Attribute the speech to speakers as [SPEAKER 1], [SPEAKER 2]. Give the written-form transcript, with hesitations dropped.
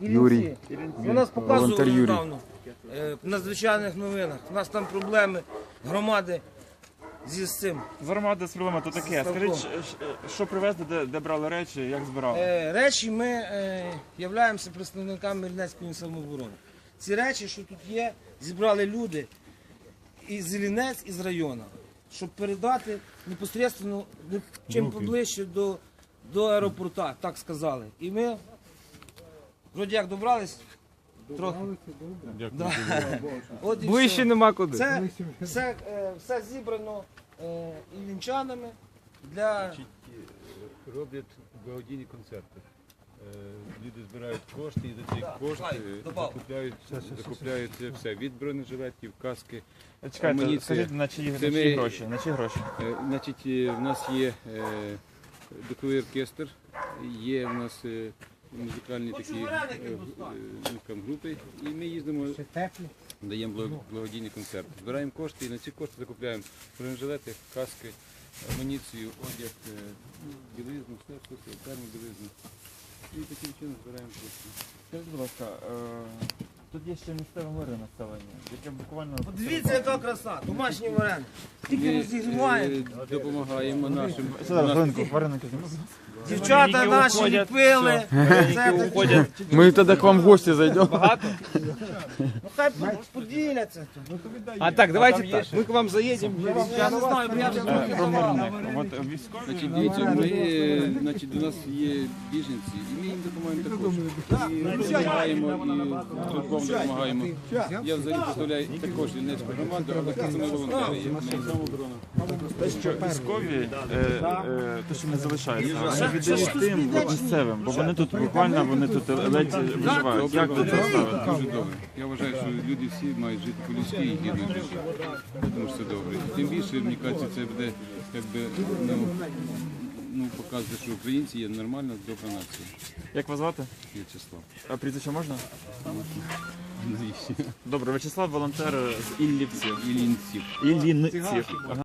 [SPEAKER 1] Юрій.
[SPEAKER 2] Ви нас
[SPEAKER 1] Волонтер
[SPEAKER 2] показували
[SPEAKER 1] Юрій.
[SPEAKER 2] недавно в надзвичайних новинах. У нас там проблеми громади з цим.
[SPEAKER 3] З громади з проблеми то таке. Скажіть, що привезли, де брали речі, як збирали?
[SPEAKER 2] Речі ми являємося представниками Іллінецької самооборони. Ці речі, що тут є, зібрали люди із Іллінець, із району, щоб передати непосередньо чим поближче до аеропорту, так сказали. І ми вроді як добрались, трохи. Да. От і
[SPEAKER 1] Ближче
[SPEAKER 2] все.
[SPEAKER 1] нема куди.
[SPEAKER 2] Це все зібрано іллінчанами для...
[SPEAKER 4] Роблять благодійні концерти. Люди збирають кошти і за ці кошти закупляють все. Від бронежилетів, каски,
[SPEAKER 3] Чекайте,
[SPEAKER 4] амуніція.
[SPEAKER 3] скажіть, на чиї гроші? На чиї гроші?
[SPEAKER 4] Значить, в нас є духовий оркестр, є в нас музикальні такі групи, і ми їздимо, даємо благодійні концерти. Збираємо кошти і на ці кошти закупляємо бронежилети, каски, амуніцію, одяг, білизну, все, термобілизну. І таким чином збираємо кошти.
[SPEAKER 3] Скажіть, будь ласка, тут є ще місцеве мирне населення, яке буквально...
[SPEAKER 2] Подивіться, яка краса, домашні вареники. Тільки розігріваємо.
[SPEAKER 4] Допомагаємо нашим.
[SPEAKER 3] Вареники.
[SPEAKER 2] Дівчата наші ліпили.
[SPEAKER 1] Ми тоді к вам в гості зайдемо.
[SPEAKER 2] Ну хай поділяться.
[SPEAKER 1] А так, давайте так. Ми к вам заїдемо.
[SPEAKER 2] Я не знаю, бо я вже трохи давав.
[SPEAKER 3] От військові...
[SPEAKER 4] Значить, дивіться, до нас є біженці, і ми їм допомагаємо також. І допомагаємо, і трудком допомагаємо. Я взагалі представляю також Іллінецьку громаду, але це ми волонтери є. Ми самооборона.
[SPEAKER 3] Що військові, те, що не залишаються, вони віддають тим місцевим, бо вони тут буквально, вони тут ледь виживають. Як тут ставити?
[SPEAKER 4] Дуже добре. Я вважаю, що люди всі мають жити по-людськи і гідно жити. Тому що це добре. Тим більше, мені кажеться, це буде якби, показувати, що українці є нормальна, добра нація.
[SPEAKER 3] Як вас звати?
[SPEAKER 4] В'ячеслав.
[SPEAKER 3] А прізвище можна?
[SPEAKER 4] Навіщо?
[SPEAKER 3] Добре, В'ячеслав, волонтер з Іллівців.
[SPEAKER 4] Іллінців.
[SPEAKER 3] Іллінців.